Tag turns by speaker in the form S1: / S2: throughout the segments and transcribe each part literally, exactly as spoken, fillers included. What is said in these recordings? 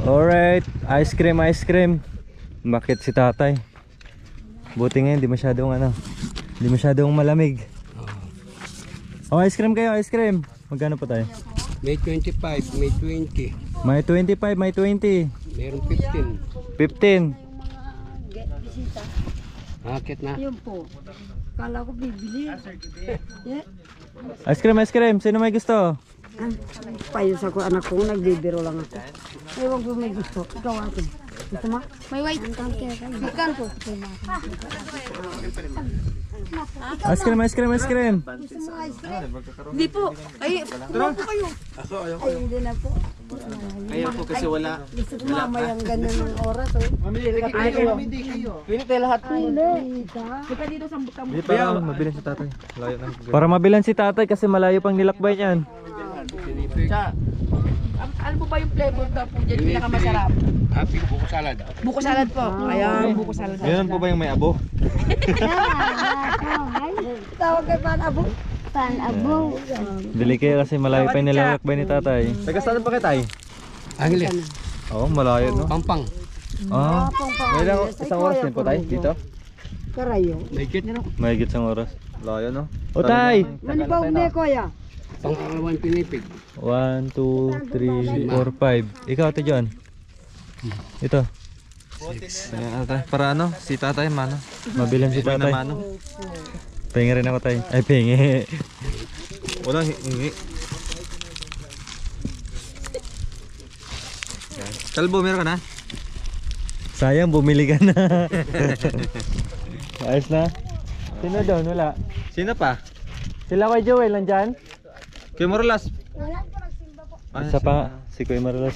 S1: Alright, ice cream, ice cream. Bakit si tatay? Buti ngayon, di masyadong ano, di masyadong malamig. Oh, ice cream kayo, ice cream. Magkano pa tayo?
S2: May twenty-five, may twenty.
S1: May twenty-five, may twenty.
S2: Meron fifteen.
S1: fifteen.
S3: Bisita.
S2: Akit na.
S3: Yun po. Kala ko bibili. Yeah.
S1: Ice cream, ice cream. Sino may gusto?
S3: Payos ako anak ko, nagbibiro lang ako. Ewan ko may gusto. Ikaw ate. Gusto mo?
S4: May white.
S3: Ikan ko.
S1: Ice cream, ice cream, ice cream.
S4: Hindi po. Ay, tumaw po kayo.
S3: Ay, hindi na po.
S5: Ayaw po kasi wala.
S3: Gusto ko mamayang ganun ng oras. Oh.
S5: Ay, kayo. Pili tayo lahat.
S3: Hindi.
S4: Punta dito sa butang.
S1: Para mabilan si tatay. Para mabilan si tatay kasi malayo pang nilakbay niyan.
S5: Siya.
S4: Ano po ba yung flavor daw po dyan? Pinakamasarap.
S2: Happy buko salad.
S4: Buko salad po. Ayan, buko salad.
S1: Meron po ba yung may abo?
S3: Tawag kay Panabo.
S4: Panabo.
S1: Bili kayo kasi malayo pa yung nilalakbay ni tatay. Taga saan pa kayo tay?
S2: Angeles.
S1: Oo, malayo no?
S2: Pampang.
S1: Ah, may lang isang oras din po tayo dito?
S3: Karayo.
S2: Legit.
S1: Mahigit isang oras. Layo no? O tay!
S3: Manibaw na kuya.
S2: Pangalawan pinipig.
S1: one, two, three, four, five. Ikaw ate John. Ito. Ayan, ate. Para ano? Si tatay mano. Mabilan si tatay. Pengi rin ako tay. Ay pengi. Walang hingi. Kalbo, meron ka na? Sayang, bumili ka na. Ayos na. Sino doon? Wala. Sino pa? Sila kay Joel, nandyan? Kuya Marulas. Wala po, nagsimba po. Isa pa, si Kuya Marulas.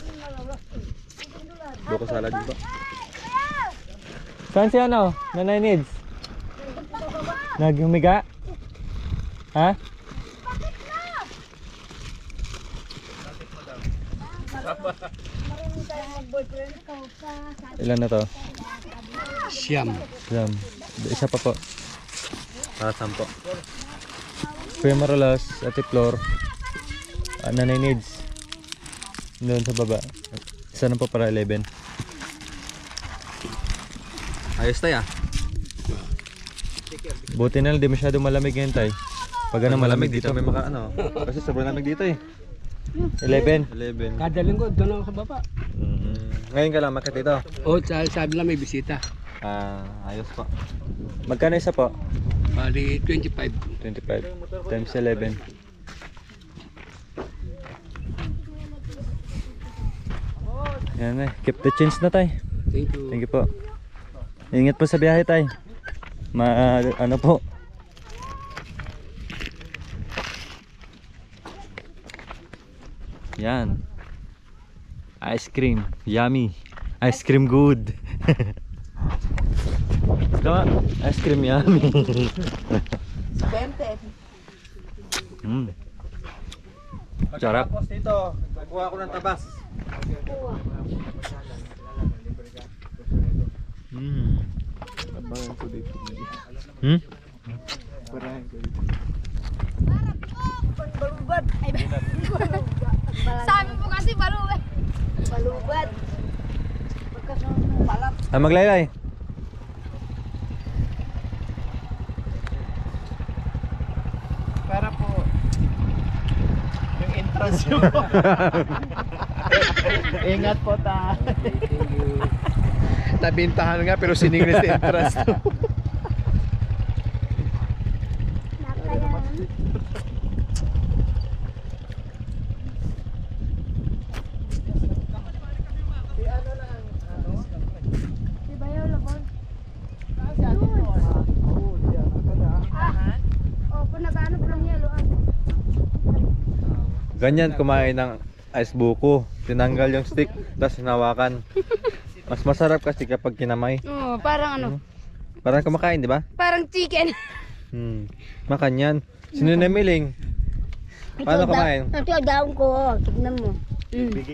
S1: Buko salad ba? Saan si ano? Nanay Needs? Naghumiga? Ha? Ilan na to?
S2: Siyam.
S1: Siyam. Isa pa po. Para sampo. Kuya Marulas, Ate Flor, uh, Nanay Needs. Doon sa baba. Isa na po para eleven. Ayos tayo ah. Buti na lang, di masyado malamig ngayon tayo. Pag ano malamig dito may maka ano. Kasi sobrang lamig dito eh. eleven. eleven.
S2: Kada linggo doon ako sa baba.
S1: Mm, ngayon ka lang makit dito.
S2: O, sabi lang may bisita.
S1: Ah, ayos po. Magkano isa po?
S2: Bali twenty-five.
S1: twenty-five times eleven. Yan eh. Keep the change na tayo.
S2: Thank you.
S1: Thank you po. Ingat po sa biyahe tayo. Ma ano po. Yan. Ice cream. Yummy. Ice cream good. Tama. Ice cream yummy.
S4: Bente.
S1: Mm. Sarap.
S5: Tapos dito, nakuha ko ng tabas.
S1: Mm.
S5: Abangan ko dito.
S1: Hmm?
S5: Parahin ko dito.
S3: Balubad.
S4: Sabi po kasi balubad.
S3: Balubad. Pagkasunod balat.
S1: Ah, maglaylay.
S5: Para po yung entrance nyo. Ingat po ta.
S2: Thank you.
S5: Nabintahan nga pero siningles sa entrance.
S1: Ganyan kumain ng ice buko. Tinanggal yung stick, tapos hinawakan. Mas masarap kasi kapag kinamay.
S4: Oo, parang ano?
S1: Parang kumakain, di ba?
S4: Parang chicken.
S1: Hmm. Makanyan. Sino namiling? Paano kumain?
S3: Ito daon ko. Tignan mo.